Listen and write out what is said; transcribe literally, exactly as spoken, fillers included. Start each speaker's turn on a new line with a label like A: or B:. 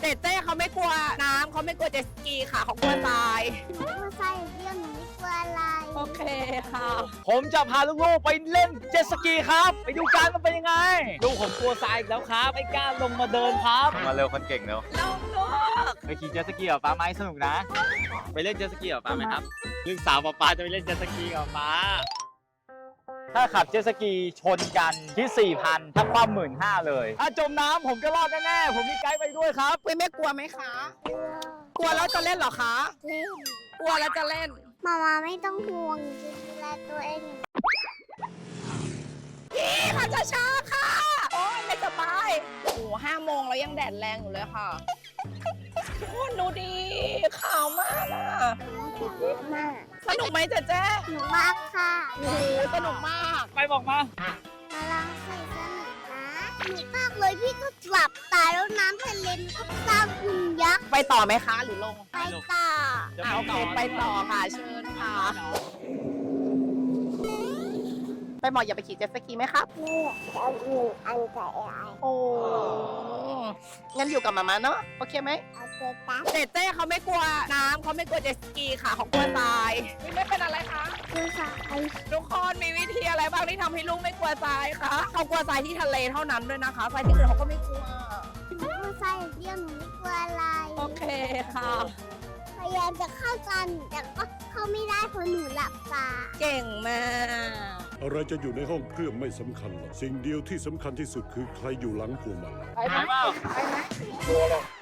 A: เจเต้เขาไม่กลัวน้ำเขาไม่กลัวเจ็ตสกีค่ะเขากลัวทราย
B: กลัวทรายอย่างเดียวหนูไม่กลัวอะไร
A: โอเคค่ะ
C: ผมจะพาลูกๆไปเล่นเจ็ตสกีครับ ไปดูกันมันเป็นยังไงลูกผมกลัวทรายอีกแล้วครับไม่กล้าลงมาเดินครับมาเร็วคนเก่งเร็ว
A: ลงลูก
C: ไปขี่เจ็ตสกีกับป้าไหมสนุกนะ ไปเล่นเจ็ตสกีกับป้าไหมครับลูกสาวป้าจะไปเล่นเจ็ตสกีกับป้าถ้าขับเจ็ตสกีชนกันที่ สี่พัน ถ้าคว่ำหมื่นห้าเลย ถ้าจมน้ำผมก็รอดแน่ๆผมมีไกด์ไปด้วยครับ
A: เว้ยไม่กลัวไหมคะ กลัวแล้วจะเล่นเหรอคะ
B: เล่น
A: กลัวแล้วจะเล่น
B: มามาไม่ต้องห่วงดูแลตัวเอง
A: พี่ค่ะจะช้าๆค่ะ โอ้ยไม่สบายโอ้โหห้าโมงแล้วยังแดดแรงอยู่เลยค่ะทุกคนดูดีขาวมากอะ
B: มาก
A: สนุกไหมเจ๊เจ๊
B: หนูมากค่ะ
A: โอ้โหสนุกมาก
C: ไปบอกมา
B: มาลองใส่สนุกนะหนูมากเลยพี่ก็หลับตายแล้วน้ำทะเลมันก็สร้างหุ่นยักษ์
A: ไปต่อไหมคะหรือลง
B: ไปต่อ
A: อ่าโอเคไปต่อค่ะเชิญค่ะ ไปหมออย่าไปขี่เจ็ตสกีไหมครับ
B: นี่เอาหนึ่งอันกับไอ้
A: โอ้งั้นอยู่กับมาม่าเนาะโอเคไหม
B: เอาเจตัส
A: เจเต้เขาไม่กลัวน้ำเขาไม่กลัวเจ็ตสกีค่ะเขากลัวทรายไม่เป็นอะไรคะ
B: คือสาย
A: ทุกคนมีวิธีอะไรบ้างที่ทำให้ลูกไม่กลัวทรายคะเขากลัวทรายที่ทะเลเท่านั้นด้วยนะคะทรายที่อื่นเขาก็ไม่กลัว
B: หนูกลัวทรายอย่างเดียวหนูไม่กลัวอะไร
A: โอเคค่ะ
B: พยายามจะเข้ากันแต่ก็เข้าไม่ได้เพราะหนูหลับตา
A: เก่งมาก
D: อะไรจะอยู่ในห้องเครื่องไม่สำคัญหรอก สิ่งเดียวที่สำคัญที่สุดคือใครอยู่หลังพวงมาลัย
A: ไปไหมไปไหม